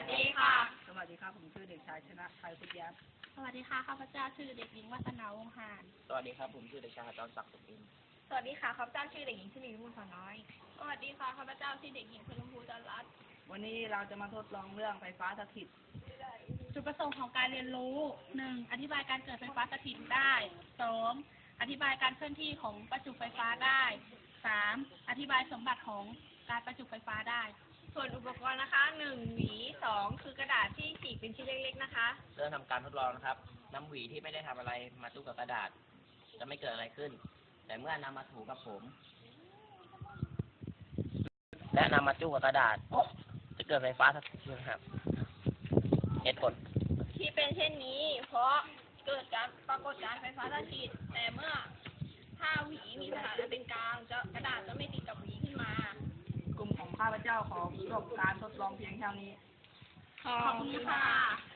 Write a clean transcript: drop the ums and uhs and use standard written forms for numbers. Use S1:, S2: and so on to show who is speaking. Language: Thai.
S1: ดีค่ะ
S2: สวัสดีครับผมชื่อเด็กชายชนะชัยพุทธยับ
S1: สวัสดีค่ะข้าพเจ้าชื่อเด็กหญิงวัฒนาวงศ์หาน
S3: สวัสดีครับผมชื่อเด็กชายจอมศักดิ์สุขอินทร์
S1: สวัสดีค่ะข้าพเจ้าชื่อเด็กหญิงชลีวิมลขน้อยสวัสดีค่ะข้าพเจ้าชื่อเด็กหญิงพลภูจันทร์รัตน์
S2: วันนี้เราจะมาทดลองเรื่องไฟฟ้าสถิต
S1: จุดประสงค์ของการเรียนรู้ 1. อธิบายการเกิดไฟฟ้าสถิตได้ 2. อธิบายการเคลื่อนที่ของประจุไฟฟ้าได้ 3. อธิบายสมบัติของการประจุไฟฟ้าได้ส่วนอุปกรณ์นะคะ 1. หวี 2. คือกระดาษที่ฉีกเป็นชิ้นเล็กๆนะคะ
S3: เริ่มทำการทดลองนะครับนำหวีที่ไม่ได้ทำอะไรมาจุกกับกระดาษจะไม่เกิดอะไรขึ้น แต่เมื่อนำมาถูกับผม และนำมาจุกกับกระดาษจะเกิดไฟฟ้าสถิตนะครับเหตุผล
S1: ที่เป็นเช่นนี้ เพราะเกิดการปรากฏการไฟฟ้าสถิตแต่เมื่อถ้าหวีมีสถานะเป็นกลางกระดาษจะไม่ติดกับหวีขึ้นมาก
S2: ลุ่มของข้าพเจ้าขอจบการทดลองเพียงเท่านี้
S1: ขอบคุณค่ะ